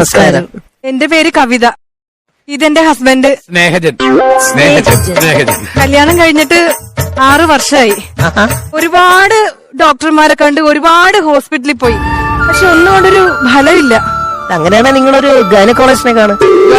നമസ്കാരം. എന്റെ പേര് കവിത. ഇതെന്റെ ഹസ്ബൻഡ് സ്നേഹജൻ. കല്യാണം കഴിഞ്ഞിട്ട് 6 വർഷമായി. ഒരുപാട് ഡോക്ടർമാരെ കണ്ട് ഒരുപാട് ഹോസ്പിറ്റലിൽ പോയി. പക്ഷെ ഒന്നും കൊണ്ടൊരു ഫലമില്ല. അങ്ങനെയാണെ നിങ്ങളൊരു ഗൈനക്കോളജിനെ കാണും.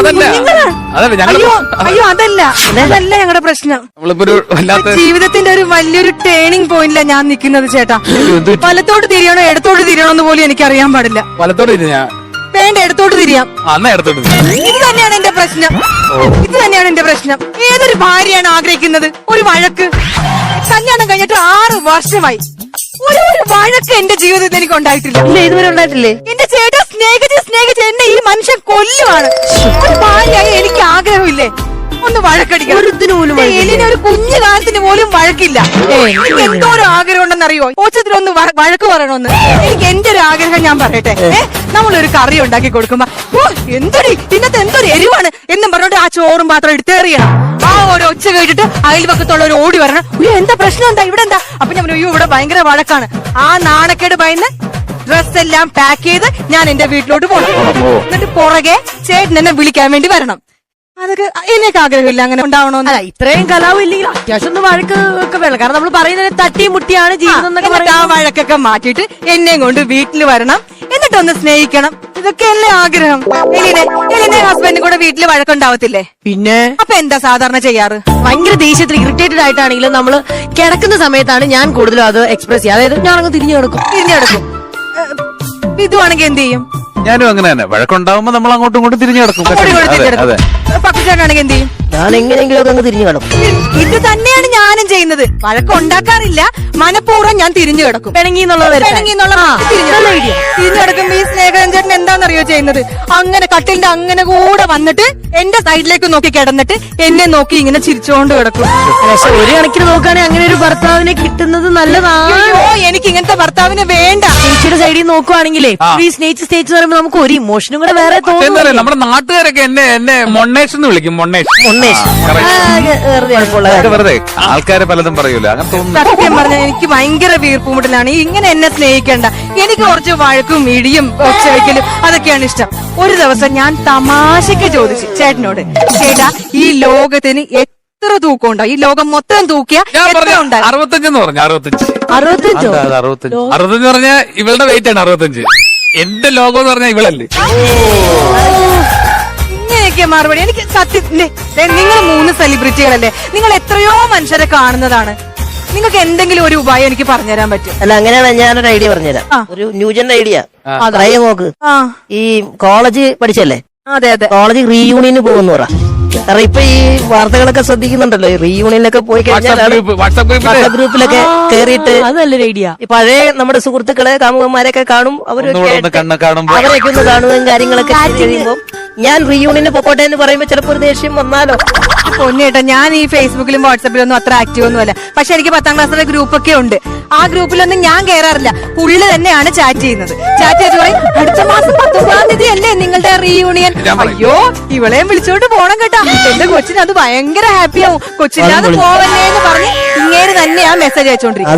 അയ്യോ അതല്ല ഞങ്ങളുടെ പ്രശ്നം. ജീവിതത്തിന്റെ ഒരു വലിയൊരു ടേണിംഗ് പോയിന്റില ഞാൻ നിൽക്കുന്നത് ചേട്ടാ. വലത്തോട്ട് തിരിയണോ ഇടത്തോട്ട് തിരിയണോ എന്ന് പോലും എനിക്ക് അറിയാൻ പാടില്ല. വേണ്ട ഇടത്തോട്ട് തിരിയാം. ഇത് തന്നെയാണ് എന്റെ പ്രശ്നം. ഏതൊരു ഭാര്യയാണ് ആഗ്രഹിക്കുന്നത്? ഒരു വഴക്ക്. കല്യാണം കഴിഞ്ഞിട്ട് 6 വർഷമായി. ഒരു വഴക്ക് എന്റെ ജീവിതത്തിൽ എനിക്ക് ഉണ്ടായിട്ടില്ല. ഇതുവരെ ഉണ്ടായിട്ടില്ലേ? എന്റെ ചേട്ടാ സ്നേഹിച്ച് എന്നെ ഈ മനുഷ്യൻ കൊല്ലുവാണ്. ഒരു ഭാര്യയായി എനിക്ക് ആഗ്രഹമില്ലേ ഒന്ന് വഴക്കടിക്കണം? ഒരു കുഞ്ഞു കാലത്തിന് പോലും വഴക്കില്ല. എനിക്ക് എന്തോ ഒരു ആഗ്രഹം ഉണ്ടെന്നറിയോ? ഓച്ചത്തിലൊന്ന് വഴക്ക് പറയണമെന്ന്. എനിക്ക് എന്റെ ഒരു ആഗ്രഹം ഞാൻ പറയട്ടെ. നമ്മളൊരു കറി ഉണ്ടാക്കി കൊടുക്കുമ്പോ എന്തൊരു ഇന്നത്തെ എന്തൊരു എരിവാണ് എന്നും പറഞ്ഞോണ്ട് ആ ചോറും പാത്രം എടുത്തേറിയണം. ആ ഒരു ഒച്ച കേട്ടിട്ട് അയൽപക്കത്തുള്ളവർ ഓടി വരണം. എന്താ പ്രശ്നം, എന്താ ഇവിടെ എന്താ? അപ്പൊ ഞാൻ ഇവിടെ ഭയങ്കര വഴക്കാണ്. ആ നാണക്കേട് ഭയന്ന് ഡ്രസ് എല്ലാം പാക്ക് ചെയ്ത് ഞാൻ എന്റെ വീട്ടിലോട്ട് പോകണം. എന്നിട്ട് പുറകെ ചേട്ടൻ എന്നെ വിളിക്കാൻ വേണ്ടി വരണം. അതൊക്കെ എനിക്ക് ആഗ്രഹമില്ല അങ്ങനെ ഉണ്ടാവണോന്ന്. ഇത്രയും കലാവും ഇല്ലെങ്കിൽ അത്യാവശ്യം ഒന്ന് വഴക്ക് ഒക്കെ വേണം. കാരണം നമ്മൾ പറയുന്നത് തട്ടിയും മുട്ടിയാണ് ജീവിതം എന്നൊക്കെ എന്നിട്ട് ആ വഴക്കൊക്കെ മാറ്റിയിട്ട് എന്നെയും കൊണ്ട് വീട്ടിൽ വരണം. എന്നിട്ടൊന്ന് സ്നേഹിക്കണം. ഇതൊക്കെയല്ലേ ആഗ്രഹം. എലിനെ ഹസ്ബൻഡും കൂടെ വീട്ടിൽ വഴക്കുണ്ടാവത്തില്ലേ? പിന്നെ അപ്പൊ എന്താ സാധാരണ ചെയ്യാറ്? ഭയങ്കര ദേഷ്യത്തിൽ ഇറിറ്റേറ്റഡ് ആയിട്ടാണെങ്കിലും നമ്മള് കിടക്കുന്ന സമയത്താണ് ഞാൻ കൂടുതലും അത് എക്സ്പ്രസ് ചെയ്യുക. അതായത് ഞാൻ അങ്ങ് തിരിഞ്ഞു കിടക്കും. ഇതുവാണെങ്കിൽ എന്ത് ചെയ്യും? ഞാനും അങ്ങനെ തന്നെ. വഴക്കുണ്ടാവുമ്പോ നമ്മൾ അങ്ങോട്ടും ഇങ്ങോട്ടും തിരിഞ്ഞു കിടക്കും. പക്കുചേട്ടനാണെങ്കിൽ എന്ത് ചെയ്യും? ഞാൻ എങ്ങനെയെങ്കിലും ഒക്കെ അങ്ങ് തിരിഞ്ഞു കിടക്കും. ഇത് തന്നെയാണ് ഞാനും ചെയ്യുന്നത്. വഴക്കുണ്ടാക്കാറില്ല, മനഃപൂർവ്വം ഞാൻ തിരിഞ്ഞു കിടക്കും. തിരിഞ്ഞു കിടക്കുമ്പോ ഈ സ്നേഹരഞ്ജൻ എന്താണെന്നറിയോ ചെയ്യുന്നത്? അങ്ങനെ കട്ടിലിന്റെ അങ്ങനെ കൂടെ വന്നിട്ട് എന്റെ സൈഡിലേക്ക് നോക്കി കിടന്നിട്ട് എന്നെ നോക്കി ഇങ്ങനെ ചിരിച്ചോണ്ട് കിടക്കും. പക്ഷെ ഒരു കണക്കിന് നോക്കുകയാണെങ്കിൽ അങ്ങനെ ഒരു ഭർത്താവിനെ കിട്ടുന്നത് നല്ലതാണ്. എനിക്ക് ഇങ്ങനത്തെ ഭർത്താവിനെ വേണ്ട. ചേച്ചിയുടെ സൈഡിൽ നോക്കുവാണെങ്കിലേ ഈ സ്നേഹിച്ച് പറയുമ്പോ നമുക്ക് ഒരു ഇമോഷനും കൂടെ വേറെ തോന്നുന്നു. നമ്മുടെ നാട്ടുകാരൊക്കെ എന്നെ മൊണ്ണേഷ് എന്ന് വിളിക്കും. വെറുതെ ആൾക്കാര് പലതും പറയൂല. സത്യം പറഞ്ഞാൽ എനിക്ക് ഭയങ്കര വീർപ്പുമുട്ടലാണ്. ഇങ്ങനെ എന്നെ സ്നേഹിക്കണ്ട. എനിക്ക് കുറച്ച് വഴക്കും ഇടിയും ഒച്ചവെക്കലും അതൊക്കെയാണ് ഇഷ്ടം. ഒരു ദിവസം ഞാൻ തമാശക്ക് ചോദിച്ചു ചേട്ടനോട്, ചേട്ടാ ഈ ലോകത്തിന് എത്ര തൂക്കം ഉണ്ടോ? ഈ ലോകം മൊത്തം തൂക്കിയ 65 പറഞ്ഞു. 65 പറഞ്ഞാൽ ഇവളുടെ വെയിറ്റ് ആണ് 65. എന്റെ ലോകം എന്ന് പറഞ്ഞാൽ ഇവളല്ലേ. ഇങ്ങനെയൊക്കെ മറുപടി. എനിക്ക് സത്യം, നിങ്ങൾ 3 സെലിബ്രിറ്റികളല്ലേ, നിങ്ങൾ എത്രയോ മനുഷ്യരെ കാണുന്നതാണ്. നിങ്ങൾക്ക് എന്തെങ്കിലും ഒരു ഉപായം എനിക്ക് പറഞ്ഞുതരാൻ പറ്റും? അല്ല, അങ്ങനെയാണ് ഞാനൊരു ഐഡിയ പറഞ്ഞുതരാം. ഒരു ന്യൂജൻ ഐഡിയ. അതായത് നോക്ക്, ഈ കോളേജ് പഠിച്ചല്ലേ? അതെ. കോളേജ് റീയൂണിയന് പോകുന്നു പറ. കാരണം ഇപ്പൊ ഈ വാർത്തകളൊക്കെ ശ്രദ്ധിക്കുന്നുണ്ടല്ലോ, ഈ റീയൂണിയനൊക്കെ പോയി കഴിഞ്ഞാൽ വാട്സ്ആപ്പ് ഗ്രൂപ്പിലൊക്കെ കേറിയിട്ട് നല്ലൊരു ഐഡിയ. പഴയ നമ്മുടെ സുഹൃത്തുക്കളെ കാമുകന്മാരെയൊക്കെ കാണും. അവരൊക്കെ ഒന്ന് കാണുകയും കാര്യങ്ങളൊക്കെ കഴിയുമ്പോൾ ഞാൻ റീയൂണിയന് പൊക്കോട്ടെ എന്ന് പറയുമ്പോ ചിലപ്പോ ഒരു ദേഷ്യം വന്നാലോ. പൊന്നേട്ടാ, ഞാൻ ഈ ഫേസ്ബുക്കിലും വാട്സാപ്പിലും ഒന്നും അത്ര ആക്റ്റീവ് ഒന്നും അല്ല. പക്ഷെ എനിക്ക് 10ാം ക്ലാസ്സിലെ ഗ്രൂപ്പൊക്കെ ഉണ്ട്. ആ ഗ്രൂപ്പിലൊന്നും ഞാൻ കയറാറില്ല. പുള്ളി തന്നെയാണ് ചാറ്റ് ചെയ്യുന്നത്. ചാറ്റ് ചെയ്ത് പറയും, അടുത്ത മാസം 19-ാം തീയതി അല്ലേ നിങ്ങളുടെ റീയൂണിയൻ? അയ്യോ, ഇവളെയും വിളിച്ചോണ്ട് പോണം കേട്ടാ. എന്റെ കൊച്ചിന് അത് ഭയങ്കര ഹാപ്പിയാവും. കൊച്ചില്ലാതെ പോവല്ലേ എന്ന് പറഞ്ഞ് ഇങ്ങനെ തന്നെയാ മെസ്സേജ് അയച്ചോണ്ടിരിക്കുന്നത്.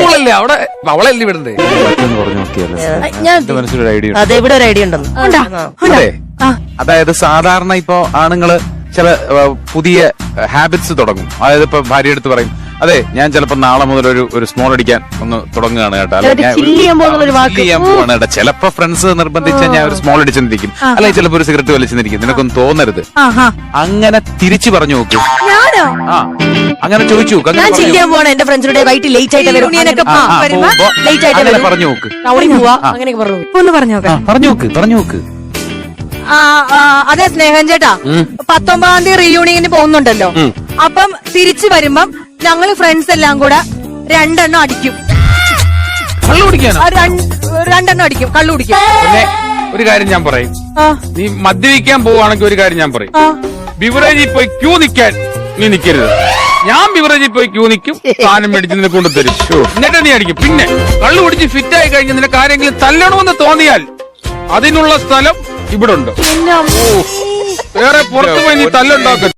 അതെ, ഇവിടെ ഒരു ഐഡിയ ഉണ്ടെന്ന്. അതായത് സാധാരണ ഇപ്പോ ആണുങ്ങള് ചില പുതിയ ഹാബിറ്റ്സ് തുടങ്ങും. അതായത് ഇപ്പൊ ഭാര്യ എടുത്ത് പറയും, അതെ ഞാൻ ചിലപ്പോ നാളെ മുതൽ ഒരു സ്മോൾ അടിക്കാൻ ഒന്ന് തുടങ്ങുകയാണ് കേട്ടോ, ചെയ്യാൻ പോവാണ് കേട്ടോ. ചിലപ്പോ ഫ്രണ്ട്സ് നിർബന്ധിച്ചാൽ ഞാൻ ഒരു സ്മോൾ അടിച്ചെന്നിരിക്കും, അല്ലെങ്കിൽ ചിലപ്പോ ഒരു സിഗരറ്റ് വലിച്ചെന്നിരിക്കും. നിനക്കൊന്നും തോന്നരുത്. അങ്ങനെ തിരിച്ചു പറഞ്ഞു നോക്കൂ. അങ്ങനെ ചോദിച്ചു നോക്ക്. എന്റെ ഫ്രണ്ട്സിനോട് വൈകിട്ട് ലേറ്റ് ആയിട്ട് പറഞ്ഞു നോക്ക്. പറഞ്ഞു നോക്ക്. അതെ സ്നേഹൻ ചേട്ടാ, 19-ാം തീയതി റീയൂണിയന് പോകുന്നുണ്ടല്ലോ. അപ്പം തിരിച്ചു വരുമ്പം ഞങ്ങള് ഫ്രണ്ട്സ് എല്ലാം കൂടെ 2 എണ്ണം അടിക്കും. 2 എണ്ണം അടിക്കും, കള്ളു കുടിക്കും. ഒരു കാര്യം ഞാൻ പറയും, നീ മദ്യപിക്കാൻ പോവുകയാണെങ്കിൽ ഒരു കാര്യം ഞാൻ പറയും, ബിവറേജിൽ പോയി ക്യൂ നിൽക്കാൻ നീ നിൽക്കരുത്. ഞാൻ ബിവറേജിൽ പോയി ക്യൂ നിൽക്കും, സാധനം മേടിച്ച് നിന്നെ കൊണ്ടുതരും, എന്നിട്ട് നീ അടിക്കും. പിന്നെ കള്ളു കുടിച്ച് ഫിറ്റായി കഴിഞ്ഞ് നിനക്ക് ആരെങ്കിലും തല്ലണമെന്ന് തോന്നിയാൽ അതിനുള്ള സ്ഥലം ഇവിടെ ഉണ്ട്. വേറെ പുറത്തു പോയി നീ തല്ലുണ്ടാക്കും.